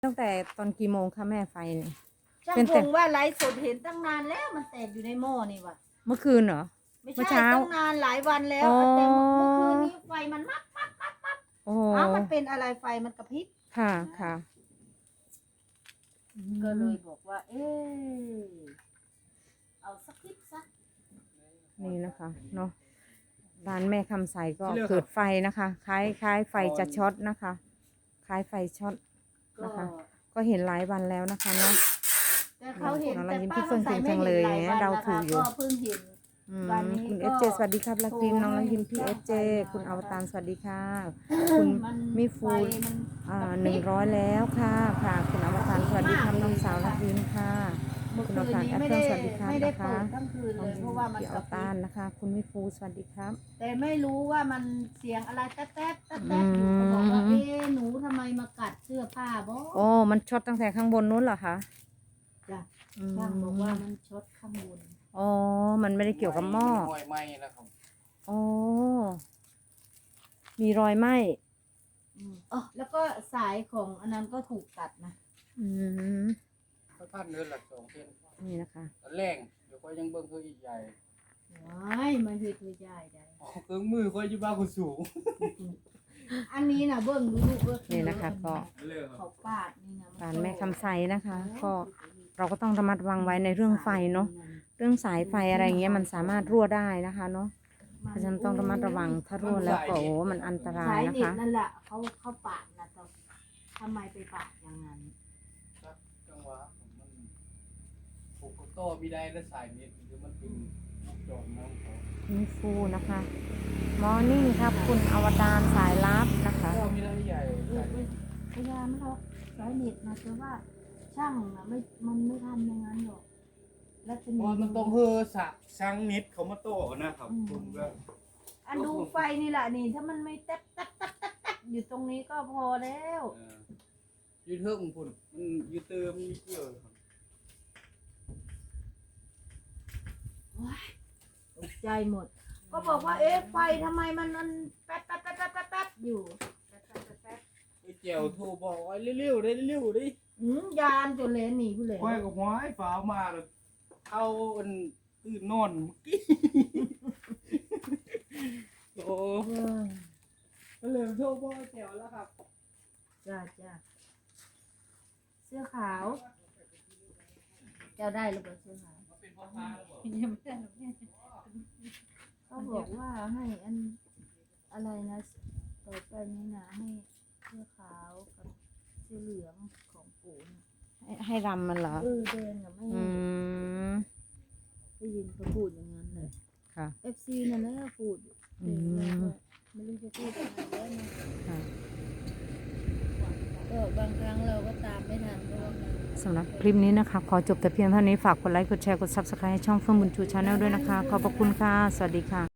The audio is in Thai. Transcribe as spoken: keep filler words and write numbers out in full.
ตั้งแต่ตอนกี่โมงคะแม่ไฟเนี่ยช่างเป็นพแต่งว่าไลฟ์สดเห็นตั้งนานแล้วมันแตกอยู่ในหม้อนี่ว่ะเมื่อคืนเหรอไม่เมื่อใช่เช้าตั้งนานหลายวันแล้วอ๋อแต่เมื่อเมื่อคืนนี้ไฟมันมัดมัดมัดมัดโอ้โหอ้าวมันเป็นอะไรไฟมันกระพริบค่ะค่ะก็เลยบอกว่า เออเอาสักคลิปสักนี่นะคะเนาะร้านแม่คำใสก็เกิดไฟนะคะคล้ายคล้ายไฟจะช็อตนะคะคล้ายไฟช็อตก็นะคะ ก็เห็นหลายวันแล้วนะคะเนาะแต่เขาเห็นเราแต่ยิ้มป้าพี่เฟื่องคำใสเก่งไม่จังเห็นเลยหลายเนี่ยวันเรานะถูคะกอยู่ก็เพิ่งเห็นอืมวันนี้คุณก็เอฟเจสวัสดีครับลักพิมน้องลักยิมพี่เอฟเจคุณอวตารสวัสดีค่ะ คุณมันมิฟูไฟมันอ่ากระพริบหนึ่งร้อยแล้วค่ะค่ะคุณอวตารสวัสดีครับน้องสาวลักยิมค่ะเมื่อคุณคือวน ตารนี้แอปไม่เปิลได้สวัสดีครับไม่ได้นะคะเปิดทั้งคืนเลยเพราะว่ามันพี่กอระวพริตารบนะคะ คุณมิฟูสวัสดีครับแต่ไม่รู้ว่ามันเสียงอะไรแต๊ดแต๊ดแต๊ดอืแต๊ดมอยู่ก็บอกว่าเอ๊ะหนูทำไมมากัดเสื้อผ้าบ่โอ้มันช็อตตั้งแต่ข้างบนนู้นเหรอคะจ้ะอืมช่างบอกว่ามันช็อตข้างบนอ๋อมันไม่ได้เกี่ยวกับหม้อหอยไหม้แล้วครับอ๋อมีรอยไหม้อืมอ๋อแล้วก็สายของอันนั้นก็ถูกตัดนะอืมเขาพันเดือนละสองเส้นนี่นะคะตอนแรงเดี๋ยวก็ยังเบิ่งเขาอีกใหญ่ว้ายมันคือตัวใหญ่ได้อ๋อเครื่องมือเขาอยู่บ้านคนสูงอันนี้นะเบิ้งดูลูกเบิ้งนี่นะคะก็เรื่องครัเขาบปาดนี่นะร้านแม่คำใสนะคะ ก็เราก็ต้องระมัดระวังไว้ในเรื่องไฟเนาะเรื่องสายไฟอะไรเงี้ยมันสามารถรั่วได้นะคะเนาะเพราะฉะนั้นต้องระมัดระวังถ้ารั่วแล้วก็โอ้มันอันตราสาย ยนะเน็ตคะนั่นแหละเขาเขาปาดนะแต่ทำไมไปปาดอย่างนั้นครับจังหวะมันผูกกับโต้ไม่ได้และสายนี้คือมันเป็นลูกจอมน้องเขามิฟูนะคะมอร์นิ่งครับคุณอวตารสายลับนะคะโต้ไม่ได้ใหญ่เออเออพยายามเขาสายเน็ตนะแต่ว่าช่างนะไม่มันไม่ทำอย่างนั้นหรอกแล้วจะเพมีราะมันต้องเฮือสะช่างนิดเขามาโต้นะครับผมก็อันดูไฟนี่แหละนี่ถ้ามันไม่แต๊ดแต๊ดแต๊ดแต๊ดแต๊ดอยู่ตรงนี้ก็พอแล้วเออยืดเทิงพุ่นมันยืดเติมมีเกี่ยวครับตกใจหมด ก็บอกว่าเอ๊ะไฟทำไมมันมันแป๊ดแป๊ดแป๊ดแป๊ดแป๊ดแป๊ดอยู่แป๊ดแป๊ดแป๊ดแป๊ดไอ้เจียวโทรบอกว่าเร็วๆได้เร็วๆดิอืมยานจนเลนหนีผู้เลยควายกับหวายฝาวมาเลยเอาอันตื่นนอนเมื่อกี้ โอ้เออก็เลยโทรบอกแถวแล้วครับจ้าจ้าเสื้อขาว เจ้าได้หรือเปล่าเสื้อขาวเป็นพ่อค้าแล้วบอกยังไม่ได้หรอกแม่เขาบอกว่าให้อันอะไรนะต่อไปนี้นะให้เสื้อขาวกับเสื้อเหลืองของปู่นะให้ให้รำมันเหรอเออแดงอะไม่อืมได้ยินเขาพูดอย่างนั้นเลยค่ะเอฟซีนั่นแหละพูดอืมไม่รู้จะพูดอะไรแล้วนะค่ะก็บางครั้งเราก็ตามไม่ทันเพราะว่ามันสำหรับคลิปนี้นะคะ ขอจบแต่เพียงเท่านี้ฝากกดไลค์กดแชร์กด ซับสไครบ์ ให้ช่องเฟื่องบุญชูชาแนลด้วยนะคะ ขอบพระคุณค่ะ สวัสดีค่ะ